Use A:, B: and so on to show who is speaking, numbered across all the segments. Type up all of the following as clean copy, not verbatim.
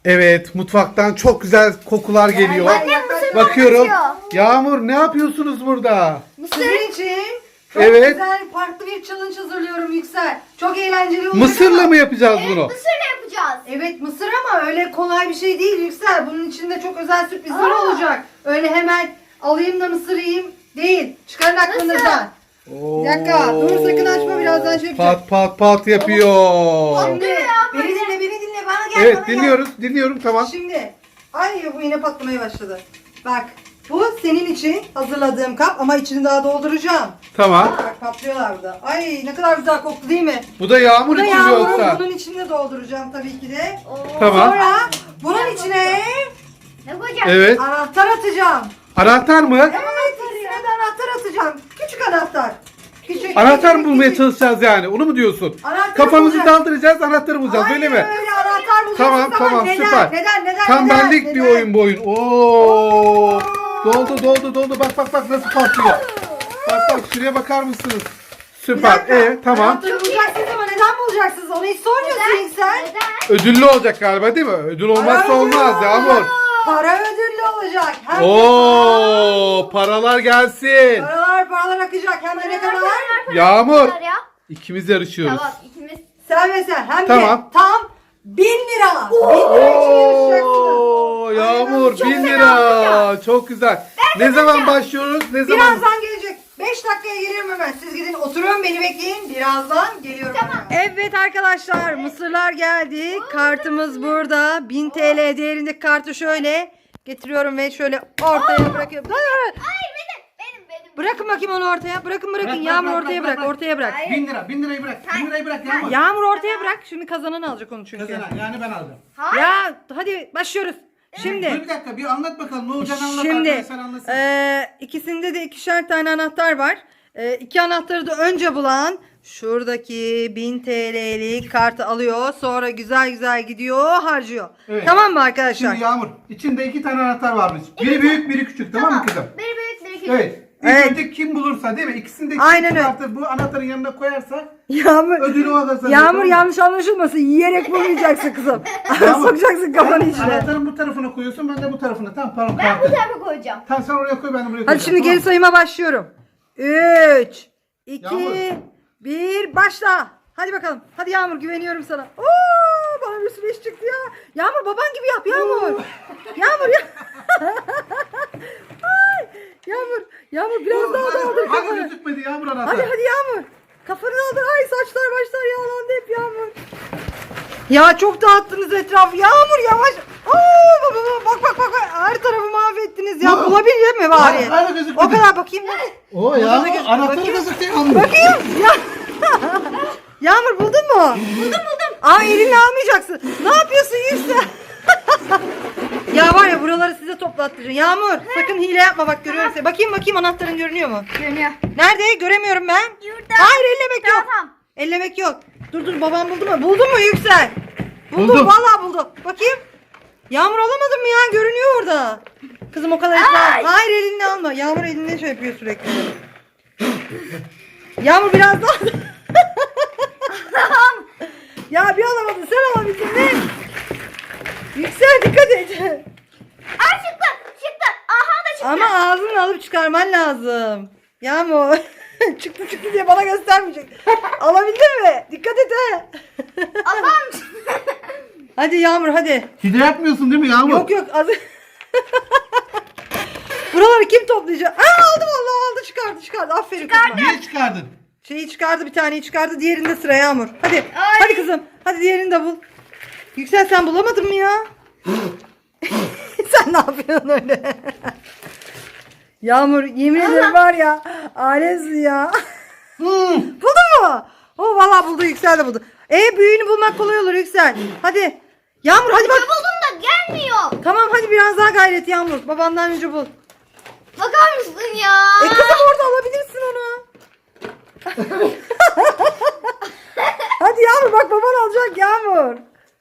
A: Evet, mutfaktan çok güzel kokular geliyor.
B: Annem mısır
A: Bakıyorum.
B: patlatıyor.
A: Yağmur, ne yapıyorsunuz burada?
C: Sizin için çok
A: Evet.
C: güzel farklı bir challenge hazırlıyorum Yüksel. Çok eğlenceli olacak
A: Mısırla
C: ama-
A: mı yapacağız bunu?
B: Mısırla yapacağız.
C: Evet mısır ama öyle kolay bir şey değil Yüksel. Bunun içinde çok özel sürprizler olacak. Öyle hemen alayım da mısır yiyeyim değil. Çıkarın aklınızdan. Bir dakika, dur sakın açma, birazdan şey yapacağım.
A: Pat pat pat yapıyor.
C: Şimdi beni dinle bana gel,
A: Evet,
C: bana gel.
A: dinliyorum tamam.
C: Şimdi ay bu yine patlamaya başladı. Bak bu senin için hazırladığım kap ama içini daha dolduracağım.
A: Tamam.
C: Bak patlıyorlar burada. Ay ne kadar güzel koktu değil mi?
A: Bu da yağmur
C: Bu da
A: için mi
C: yağmurun,
A: yoksa?
C: bunun içine dolduracağım tabii ki de.
A: Tamam.
C: Sonra bunun içine
B: Ne koyacağız?
A: Evet.
C: anahtar atacağım.
A: Anahtar mı?
C: Evet ikisine de anahtar atacağım. Küçük anahtar. Küçük.
A: Anahtar mı
C: küçük,
A: bulmaya
C: küçük.
A: çalışacağız yani? Onu mu diyorsun?
C: Anahtar
A: Kafamızı
C: bulacağız.
A: daldıracağız, anahtarı bulacağız
C: Aynen
A: öyle mi?
C: öyle anahtar bulacaksın
A: Tamam
C: ama
A: tamam
C: neden?
A: süper.
C: Neden?
A: Tam
C: neden?
A: benlik bir
C: neden?
A: oyun bu oyun. Oo! Doldu. Bak nasıl patlıyor. Bak şuraya bakar mısınız?
C: Bir
A: Süper.
C: dakika.
A: Tamam.
C: Anahtarı bulacaksınız ama neden bulacaksınız? Onu hiç sormuyorsun ilk sen.
B: Neden?
A: Ödüllü olacak galiba değil mi? Ödül olmazsa
C: Para
A: olmaz
C: ödüllü
A: Yağmur.
C: olacak. Para ödüllü olacak. Hem de
A: Oo! Paralar gelsin.
C: paralar akacak. Hem de ne kadar?
A: Yağmur.
B: Ya.
A: İkimiz yarışıyoruz.
B: Tamam ikimiz.
C: Sen ve sen. Hem
A: Tamam.
C: de tam 1000 lira. 1000 lira için yarışacaksınız.
A: Oo! Yağmur
B: Çok
A: 1000
B: fena
A: lira. Çok güzel. Ne zaman başlıyoruz? Ne zaman?
C: Birazdan gelecek. 5 dakikaya gelirim hemen. Siz gidin oturun beni bekleyin. Birazdan geliyorum. Evet arkadaşlar mısırlar geldi. Kartımız burada. 1000 TL değerindeki kartı şöyle getiriyorum ve şöyle ortaya bırakıyorum.
B: Hayır benim.
C: Bırakın bakayım onu ortaya. Bırakın. Yağmur ortaya bırak. Ortaya bırak.
B: Hayır.
A: 1000 lira. 1000 lirayı bırak. 1000 lirayı bırak Yağmur.
C: Yağmur ortaya bırak. Şimdi kazanan alacak onu çünkü.
A: Kazanan, yani ben aldım.
C: Ya hadi başlıyoruz.
A: Dur
C: Şimdi
A: bir dakika bir anlat bakalım. Ne olacağını anlat.
C: Şimdi
A: Arkadaşlar anlatsın.
C: ikisinde de ikişer tane anahtar var. İki anahtarı da önce bulan şuradaki 1000 TL'lik kartı alıyor. Sonra güzel gidiyor harcıyor.
A: Evet.
C: Tamam mı arkadaşlar?
A: Şimdi Yağmur içinde 2 tane anahtar varmış. Biri büyük biri küçük tamam mı kızım?
B: Biri büyük biri küçük.
A: Evet. İlk
C: Evet.
A: önce kim bulursa değil mi? İkisini de
C: Aynen öyle.
A: kartı bu anahtarın yanına koyarsa
C: Yağmur,
A: ödülü o da sana.
C: Yağmur yanlış anlaşılmasın. Yiyerek bulmayacaksın kızım.
A: Yağmur,
C: Sokacaksın kafanı
A: sen
C: içine.
A: Anahtarın bu tarafına koyuyorsun ben de bu tarafına. Tamam pardon
B: Ben bu
A: kartı.
B: tarafa koyacağım.
A: Tamam sen oraya koy ben de buraya koyacağım.
C: Hadi şimdi
A: tamam
C: geri
A: mı?
C: sayıma başlıyorum. 3, 2,
A: Yağmur.
C: 1 başla. Hadi bakalım. Hadi Yağmur güveniyorum sana. Oo, bana bir sürü iş çıktı ya. Yağmur baban gibi yap Yağmur. Yağmur ya. Ay, Yağmur biraz daha daldır
A: Hadi
C: kafanı.
A: gözükmedi Yağmur anahtar.
C: Hadi Yağmur. Kafanı daldır. Ay saçlar başlar yağlandı hep Yağmur. Ya çok dağıttınız etrafı. Yağmur yavaş. Bak. Her tarafı mahvettiniz ya.
A: Aa.
C: Bulabildin mi bari?
A: Hala gözükmedi.
C: O kadar bakayım.
A: Oo
C: Burada
A: Yağmur
C: gözüküyor.
A: anahtarı
C: Bakayım.
A: gözüküyor Yağmur.
C: Bakayım. Ya. Yağmur buldun mu? Buldum. Aa elini almayacaksın. Ne yapıyorsun Yüksel? Ya var ya buraları size toplattıracağım. Yağmur sakın hile yapma bak görüyorum seni. Bakayım anahtarın görünüyor mu?
B: Görünüyor.
C: Nerede? Göremiyorum ben.
B: Yurda.
C: Hayır ellemek yok.
B: Tamam.
C: Ellemek yok. Dur babam buldu mu? Buldun mu Yüksel? Buldum.
A: Buldum.
C: Vallahi buldum. Bakayım. Yağmur alamadın mı ya? Görünüyor orada. Kızım o kadar ısrar. Hayır elini alma. Yağmur elinde şey yapıyor sürekli. Yağmur biraz daha. Ya bir alamadın. Sen alabildin mi? Yüksel dikkat et.
B: Aa çıktı. Aha da çıktı.
C: Ama ağzını alıp çıkarman lazım. Yağmur. çıktı diye bana göstermeyecek. Alabildin mi? Dikkat et he.
B: Allah'ım.
C: Hadi Yağmur hadi.
A: Hile yapmıyorsun değil mi Yağmur?
C: Yok az. Buraları kim toplayacak? Aa aldı vallahi aldı çıkardı. Aferin kızıma.
A: Niye çıkardın?
C: Şeyi çıkardı bir taneyi çıkardı. Diğerinde sıra Yağmur. Hadi.
B: Ay.
C: Hadi kızım. Hadi diğerini de bul. Yüksel sen bulamadın mı ya? Sen ne yapıyorsun öyle? Yağmur yemin ederim var ya. Alemsin ya. Buldun mu? Oh vallahi buldu Yüksel de buldu. Büyüğünü bulmak kolay olur Yüksel. Hadi. Yağmur hadi bak.
B: Buldum da gelmiyor.
C: Tamam hadi biraz daha gayret Yağmur. Babandan önce bul.
B: Bakar mısın ya?
C: Kızım orada alabilirsin onu. Hadi Yağmur bak baban alacak Yağmur.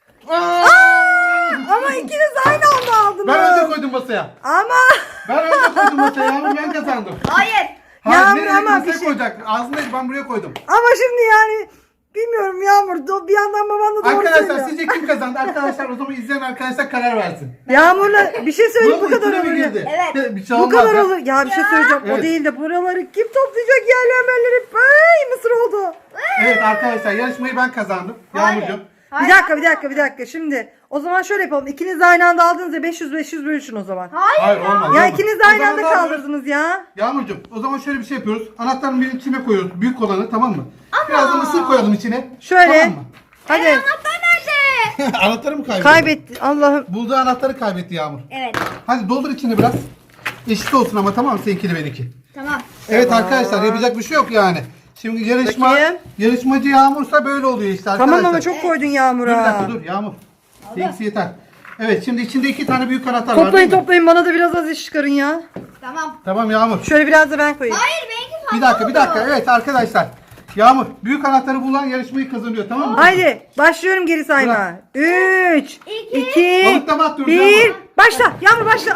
C: Ama ikiniz aynı anda aldınız.
A: Ben önce koydum masaya.
C: Ama
A: Ben önce koydum masaya Yağmur ben kazandım.
B: Hayır.
A: Hayır
C: Yağmur
A: nereye
C: ama
A: masaya
C: bir şey-
A: koyacak? Ağzındayız ben buraya koydum.
C: ama şimdi yani Bilmiyorum Yağmur. Bir yandan baban da doğru
A: Arkadaşlar
C: söylüyor.
A: sizce kim kazandı? Arkadaşlar o zaman izleyen arkadaşlar karar versin.
C: Yağmur'la bir şey söyleyeyim bu
A: Bunun
C: kadar
A: içine mi
C: olur.
A: girdi?
B: Evet.
A: Bir şey
C: Bu
A: olmaz
C: kadar
A: ya.
C: olur. Ya bir şey söyleyeceğim. O
A: Evet.
C: değil de buraları kim toplayacak yerlemeleri? Ay mısır oldu.
A: Evet arkadaşlar yarışmayı ben kazandım. Yağmurcuğum.
C: Bir dakika. Şimdi o zaman şöyle yapalım. İkiniz de aynı anda aldınız ya 500 bölüşün o zaman.
A: Hayır olmaz.
C: Ya
A: olmaz.
C: ikiniz de
A: O
C: aynı
A: zaman
C: anda
A: ne yapıyoruz?
C: kaldırdınız ya.
A: Yağmurcuğum o zaman şöyle bir şey yapıyoruz. Anahtarın birinin içine koyuyoruz. Büyük olanı tamam mı? Biraz da mısır koyalım içine.
C: Şöyle.
A: Tamam mı?
C: Hadi.
B: Anahtar nerede?
A: Anahtarı mı kaybetti?
C: Kaybetti. Allah'ım.
A: Bulduğu anahtarı kaybetti Yağmur.
B: Evet.
A: Hadi doldur içine biraz. Eşit olsun ama tamam mı? Seninkiyle benimki.
B: Tamam.
A: Evet arkadaşlar yapacak bir şey yok yani. Şimdi
C: Bakayım.
A: yarışmacı Yağmursa böyle oluyor işte arkadaşlar.
C: Tamam ama çok koydun
A: Dur bir
C: Yağmur'a.
A: dakika dur Yağmur. Seninkisi yeter. Evet şimdi içinde 2 tane büyük anahtar var
C: Toplayın
A: değil mi?
C: toplayın bana da biraz az iş çıkarın ya.
B: Tamam.
A: Tamam Yağmur.
C: Şöyle biraz da ben koyayım.
B: Hayır benimki fazla
A: Bir dakika. Evet arkadaşlar. Yağmur büyük anahtarı bulan yarışmayı kazanıyor tamam mı?
C: Haydi başlıyorum geri sayma. 3, 2,
A: Balıklama atıyoruz
C: 1.
A: Yağmur.
C: Başla. Yağmur başla.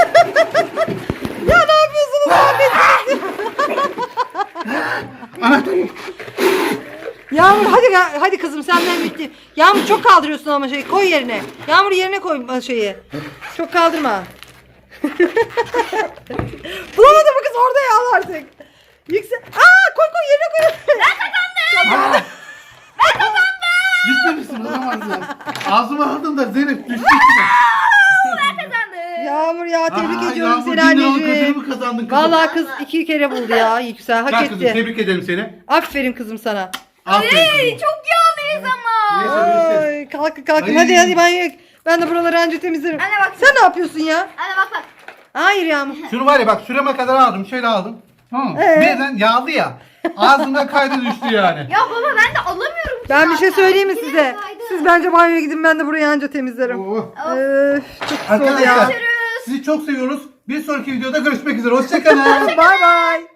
C: Ya ne yapıyorsunuz abi?
A: Anahtar.
C: Yağmur hadi kızım senden bitti. Yağmur çok kaldırıyorsun ama şeyi koy yerine. Yağmur yerine koy şeyi. Çok kaldırma. Bulamadım bu kız orada ya artık. Yüksel. Koy yerine koy.
A: Gitmemişsin olamaz ya. Ağzıma aldın da Zeynep düştü içine.
B: kazandım.
C: Yağmur ya tebrik
A: Aa,
C: ediyorum
A: Yağmur,
C: seni
A: 1000 liralık
C: anneciğim.
A: ödülümü kazandın kızım.
C: Vallahi kız 2 kere buldu ya Yüksel hak
A: Gel kızım
C: etti.
A: tebrik ederim seni.
C: Aferin kızım sana.
A: Aferin kızım.
B: Çok yağlıyız ama.
A: Neyse, neyse.
C: Ay, kalkın
A: Ay.
C: hadi ben de buraları anca temizlerim.
B: Anne bak.
C: Sen ne yapıyorsun ya?
B: Anne bak.
C: Hayır Yağmur.
A: Şunu var ya bak şurama kadar aldım. Şöyle aldım. Tamam mı? Birden yağlı ya. Ağzımda kaydı düştü yani.
B: Ya baba ben de alamıyorum. ki
C: Ben bir şey
B: zaten.
C: söyleyeyim mi
B: Yine
C: size?
B: kaydı.
C: Siz bence banyoya gidin ben de burayı anca temizlerim.
A: Oo.
C: Öf, çok pis oldu ya.
A: Arkadaşlar sizi çok seviyoruz. Bir sonraki videoda görüşmek üzere. Hoşçakalın.
C: Bay bay.